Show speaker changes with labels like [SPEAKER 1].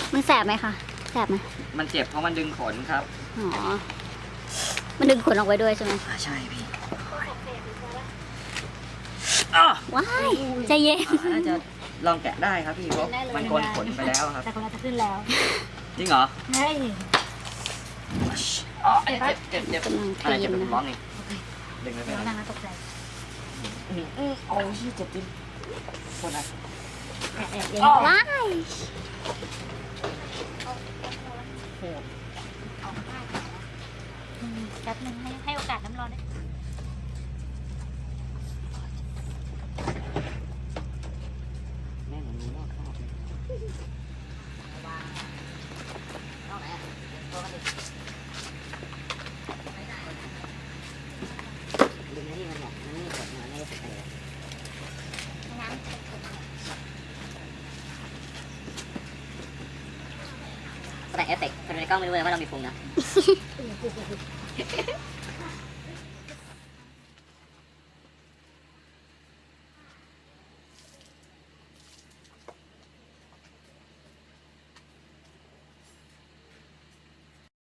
[SPEAKER 1] มันแสบไหมคะแสบไหม
[SPEAKER 2] มันเจ็บเพราะมันดึงขนครับ
[SPEAKER 1] อ๋อมันดึงขนออกไว้ด้วยใช่ไหม
[SPEAKER 2] ใช่พี่
[SPEAKER 1] ว้ายใจเย็น
[SPEAKER 2] น่าจะลองแกะได้ครับพี่เพราะมันโกนขนไปแล้วครับ
[SPEAKER 3] แต่คนเราจะขึ้นแล้ว
[SPEAKER 2] จริงเหรอ
[SPEAKER 3] เฮ้ย
[SPEAKER 2] อ๋อเจ็บ
[SPEAKER 1] กำลังค
[SPEAKER 2] อะไร
[SPEAKER 1] ลี
[SPEAKER 2] เจ็บ
[SPEAKER 1] น
[SPEAKER 2] เป็น
[SPEAKER 1] นะ
[SPEAKER 2] ร้อนนี่ดึงไม่เป็น
[SPEAKER 3] เรา
[SPEAKER 2] ไร
[SPEAKER 3] นั่งแล้วตกใจ
[SPEAKER 2] โอ้ยเจ็บจริงโคตรนะ
[SPEAKER 3] แอบเย็น
[SPEAKER 1] ว้าย
[SPEAKER 3] แป๊บนึงให้โอกาสน้ำร้อนได้
[SPEAKER 2] แม่หนูรู้นอกคราบเลยดึงไอ้นี่มันแบบมันไม่กดมันไม่ได้สเปรย์ แต่เอฟเฟกต์คนในกล้องไม่รู้เลยว่าเรามีพุงนะ